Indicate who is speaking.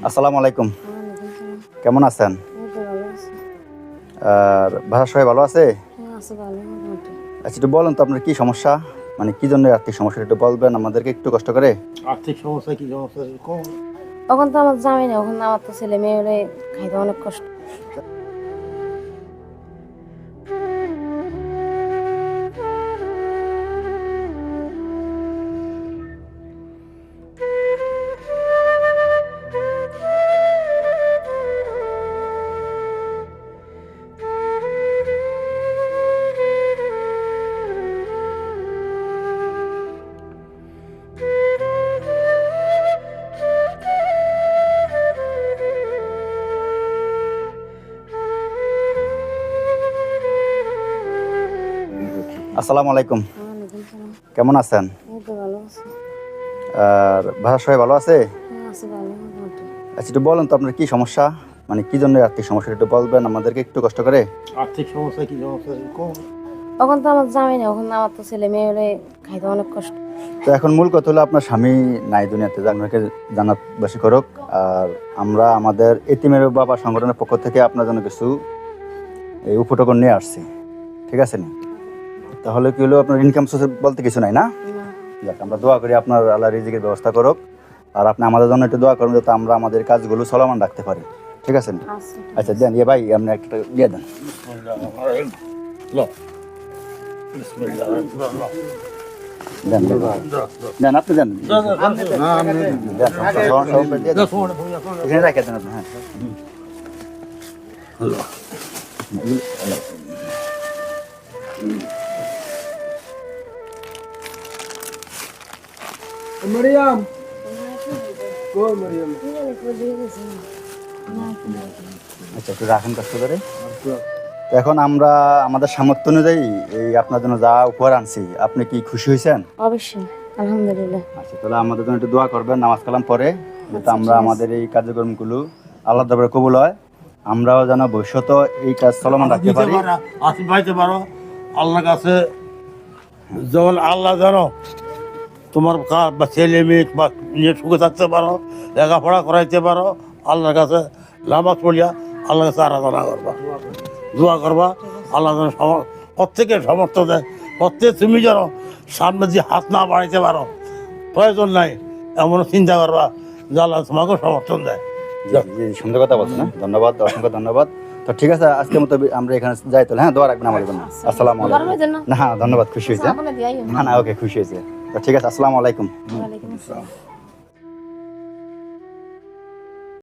Speaker 1: আসসালামু আলাইকুম। কেমন আছেন? আর বাসার সবাই ভালো আছে? আচ্ছা, একটু বলেন তো আপনার কি সমস্যা, মানে কি জন্য আর্থিক সমস্যা একটু বলবেন আমাদেরকে একটু কষ্ট করে।
Speaker 2: আর্থিক সমস্যা কি সমস্যা কম?
Speaker 3: তখন তো আমার জামাই না, ওখানে আমার তো ছেলে মেয়ে খাইতে অনেক কষ্ট।
Speaker 1: আসসালামু আলাইকুম। কেমন আছেন?
Speaker 3: ভালো আছে।
Speaker 1: আর বাসার সবাই ভালো আছে? আচ্ছা, একটু বলেন তো আপনার কি সমস্যা, মানে কি জন্য আর্থিক সমস্যা একটু বলবেন আমাদেরকে একটু কষ্ট করে।
Speaker 2: আর্থিক সমস্যা কি সমস্যা কম?
Speaker 3: তখন তো আমার জামাই না, ওখানে আমার তো ছেলে মেয়ে খাইতে অনেক কষ্ট।
Speaker 1: তো এখন মূল কথা হলো আপনার স্বামী নাই দুনিয়াতে, আপনাকে জান্নাতবাসী করুক। আর আমরা আমাদের এতিমের বাবা সংগঠনের পক্ষ থেকে আপনার জন্য কিছু এই উপটকন নিয়ে আসছি, ঠিক আছে নি? তাহলে কি হলো, আপনার ইনকাম সোর্স বলতে কিছু নাই না? যাক, আমরা দোয়া করি আপনার আল্লাহ রিজিকের ব্যবস্থা করুক। আর আপনি আমাদের জন্য একটু দোয়া করুন যাতে আমরা আমাদের কাজগুলো চলমান রাখতে পারি, ঠিক আছে নি? আচ্ছা দেন, ভাই আপনি একটা দিয়ে দেন। দেন দেন, আপনি দেন, এখানে রেখে দেন আপনি। হ্যাঁ,
Speaker 4: মরিয়ম কই মরিয়ম?
Speaker 1: আচ্ছা একটু রাখেন কষ্ট করে। তো এখন আমরা আমাদের সামর্থ্য অনুযায়ী এই আপনার জন্য যা উপহার আনছি, আপনি কি খুশি হয়েছেন?
Speaker 3: অবশ্যই, আলহামদুলিল্লাহ।
Speaker 1: আচ্ছা, তাহলে আমাদের জন্য একটু দোয়া করবেন নামাজ কালাম পরে, যাতে আমরা আমাদের এই কার্যক্রমগুলো আল্লাহ দরবারে কবুল হয়, আমরাও যেন ভবিষ্যতে এই কাজ চলমান রাখতে পারি।
Speaker 2: আসি পাইতে পারো আল্লাহর কাছে, যেমন আল্লাহ জানো তোমার বা ছেলে মেয়ে বা নিয়ে সুখে থাকতে পারো, লেখাপড়া করাইতে পারো। আল্লাহর কাছে নামাজ পড়িয়া আল্লাহর কাছে আরাধনা করবা, দোয়া করবা। আল্লাহ যেন প্রত্যেকের সমর্থ দেয়। প্রত্যেক তুমি যেন সামনে দিয়ে হাত না বাড়াইতে পারো, প্রয়োজন নাই এমন চিন্তা করবা যে আল্লাহ তোমাকেও সমর্থন দেয়।
Speaker 1: জি, সুন্দর কথা বলছেন, হ্যাঁ ধন্যবাদ, অসংখ্য ধন্যবাদ। তো ঠিক আছে, আজকের মতো আমরা এখানে যাই তাহলে। হ্যাঁ, দোয়া রাখবেন আমাদের জন্য। আসসালামু আলাইকুম। না ধন্যবাদ, খুশি হয়েছে। না ওকে, খুশি হয়েছে। তো ঠিক আছে, আসসালামু আলাইকুম।
Speaker 3: ওয়ালাইকুম আসসালাম।